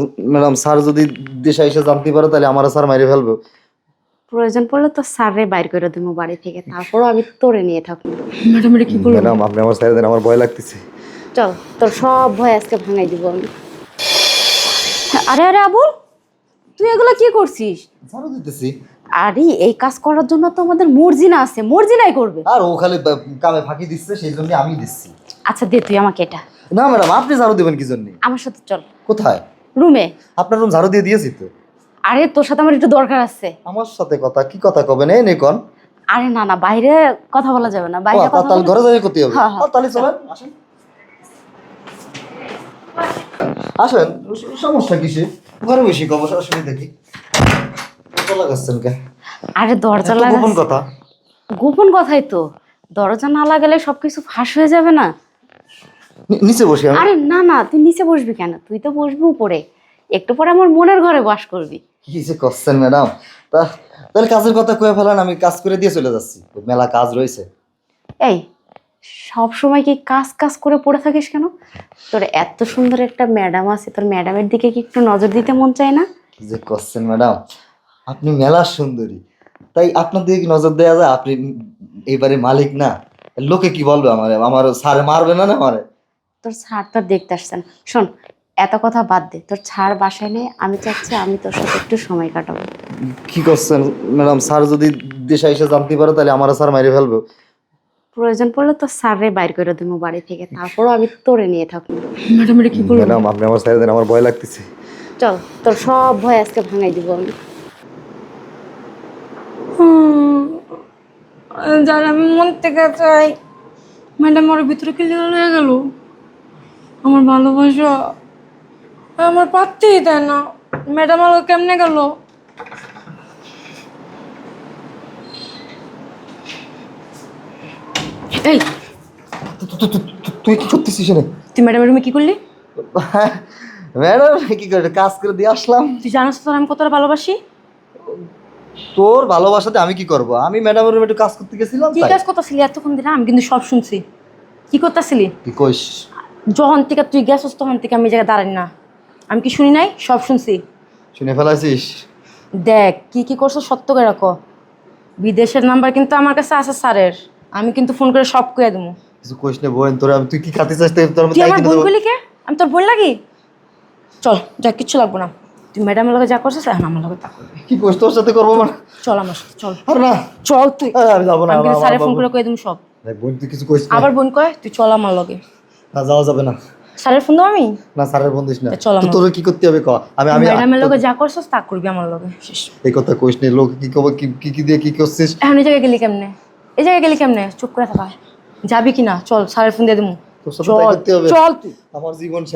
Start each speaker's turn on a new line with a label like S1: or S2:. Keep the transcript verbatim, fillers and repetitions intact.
S1: Madam sir যদি দেশে এসে জানতে পারে তাহলে আমার স্যার মাইরে ফেলবে।
S2: প্রয়োজন পড়লে তো স্যারে বাইর করে দেবো বাড়ি থেকে, তারপরও আমি তোরে নিয়ে থাকবো।
S3: ম্যাডাম এটা কি করলো?
S1: ম্যাডাম আপনি আমার স্যার দেন, আমার ভয় লাগতেছে।
S2: চল তোর সব ভয় আজকে ভাঙাই দিব আমি। আরে আরে আবুল, তুই এগুলো কি করছিস?
S1: ঝাড়ু দিতেছি।
S2: আরে এই কাজ করার জন্য তো আমাদের মর্জিনা আছে, মর্জিনাই করবে।
S1: আর ও খালি বা- কামে ফাঁকি দিচ্ছে, সেই জন্য আমি দিচ্ছি।
S2: আচ্ছা দে তুই আমাকে এটা।
S1: না ম্যাডাম, আপনি ঝাড়ু দেবেন কি জন্য?
S2: আমার সাথে চল
S1: কোথায়?
S2: রুমে।
S1: আপনার রুম ঝাড়ু দিয়ে দিয়েছি তো।
S2: আরে তোর সাথে আমার একটু দরকার আছে।
S1: আমার সাথে কথা কি কথা কবেন? এই নেকন।
S2: আরে না না, বাইরে কথা বলা যাবে না, বাইরে কথা
S1: তাহলে
S2: বলা-
S1: ঘরে যাই করতে হবে।
S2: হ্যাঁ, হ্যাঁ।
S1: আ, তাহলে চলেন, আসেন আসেন। সমস্যা কিসে? ঘরে বসে কব অসুবিধা দেখি। কত লাগাচ্ছেন কে?
S2: আরে দরজা
S1: এত
S2: লাগা
S1: গোপন কথা।
S2: গোপন কথাই তো, দরজা না লাগালে সবকিছু ফাঁস হয়ে যাবে না।
S1: নি- নিচে বসে আমি।
S2: আরে না না, তুই নিচে বসবি কেন? তুই তো বসবি উপরে, একটু পরে আমার মনের ঘরে বাস করবি।
S1: কি যে করছেন ম্যাডাম? তা তাহলে কাজের কথা কয়ে ফেলান, আমি কাজ করে দিয়ে চলে যাচ্ছি, মেলা কাজ রয়েছে।
S2: এই সব সময় কি কাজ কাজ করে পড়ে থাকিস কেন? তোর এত সুন্দর একটা ম্যাডাম আছে, তোর ম্যাডামের দিকে কি একটু নজর দিতে মন চায় না?
S1: কি যে করছেন ম্যাডাম, আপনি মেলা সুন্দরী, তাই আপনার দিকে কি নজর দেওয়া যায়? আপনি এইবারে মালিক না, লোকে কি বলবে আমারে? আমার স্যারে মারবে না না আমারে?
S2: তোর ছাড় তোর দেখতে আসছেন। শোন, এত কথা বাদ দে, তোর ছাড় বাসায় নেই, আমি চাচ্ছি আমি তোর সাথে একটু সময় কাটাবো।
S1: কি করছেন ম্যাডাম? স্যার যদি দেশে এসে জানতে পারে তাহলে আমার স্যার মাইরে ফেলবে।
S2: প্রয়োজন পড়লে তো স্যারে বাইর করে দেবো বাড়ি থেকে, তারপরও আমি তোরে নিয়ে থাকবো।
S3: ম্যাডাম এটা কি করলো?
S1: ম্যাডাম আপনি আমার স্যার দেন, আমার ভয় লাগতেছে।
S2: চল তোর সব ভয় আজকে ভাঙাই দিব আমি।
S3: যার আমি মন থেকে চাই, ম্যাডাম ওর ভিতরে ক্লিয়ার হয়ে গেল। আমার ভালোবাসা আমার পাত্তেই দেয় না। ম্যাডাম আলো কেমনে গেল? এই
S1: তু- তু- তু- তু- তুই কি করতেছিস রে?
S3: তুই ম্যাডামের রুমে কি করলি?
S1: ম্যাডাম কি করে কাজ করে দিয়ে আসলাম।
S3: তুই জানাস তোর আমি কতটা ভালোবাসি?
S1: তোর ভালোবাসাতে আমি কি করব? আমি ম্যাডামের রুমে একটু কাজ করতে গেছিলাম
S3: কি
S1: তাই।
S3: কাজ করতেছিলি এতক্ষণ দিন? আমি কিন্তু সব শুনছি। কি করতেছিলি?
S1: কি কইস?
S3: যখন থেকে তুই গেছস তখন থেকে আমি এই জায়গায় দাঁড়াই না। আমি কি শুনি নাই? সব শুনছি।
S1: শুনে ফেলাছিস?
S3: দেখ কি কি করছো সত্য করে রাখো। বিদেশের নাম্বার কিন্তু আমার কাছে আছে স্যারের, আমি কিন্তু ফোন করে সব কয়ে দেবো।
S1: কিছু কইস না বোন, তোর আমি তুই কি খাতে চাস তাই তোর আমি
S3: তুই
S1: তাই
S3: আমার
S1: কিনে
S3: বোন
S1: দেবো।
S3: কইলি কে? আমি তোর বোন লাগি? চল যা, কিচ্ছু লাগবো না। তুই ম্যাডামের লগে যা করছিস এখন আমার লগে তা করবি।
S1: কি কইস? তোর সাথে করবো মানে?
S3: চল আমার সাথে চল।
S1: আর না,
S3: চল তুই।
S1: আরে আমি যাবো না।
S3: আমি কিন্তু
S1: আমার-
S3: স্যারে ফোন
S1: আমার-
S3: করে কয়ে দেবো সব।
S1: দেখ বোন, তুই কিছু কইস না।
S3: আবার বোন কয় তুই চল আমার লগে।
S1: না, যাওয়া যাবে না।
S3: স্যারের ফোন দাও আমি।
S1: না, স্যারের বন্ধু না।
S3: তা চল
S1: তো
S3: আমার।
S1: তোর কি করতে হবে ক? আমি আমি
S3: ম্যাডামের লগে যা করছিস তা করবি আমার লগে। শেষ।
S1: এই কথা কইস না। লোক কি কবে কি কি কি দিয়ে কি করছিস?
S3: এখন এই জায়গায় গেলি কেমনে? এই জায়গায় গেলি কেমনে? চুপ করে থাকা যাবি কি না? চল স্যারের ফোন দিয়ে দেবো।
S1: তোর সাথে তাই
S3: চল
S1: করতে হবে।
S3: চল তুই।
S1: আমার জীবন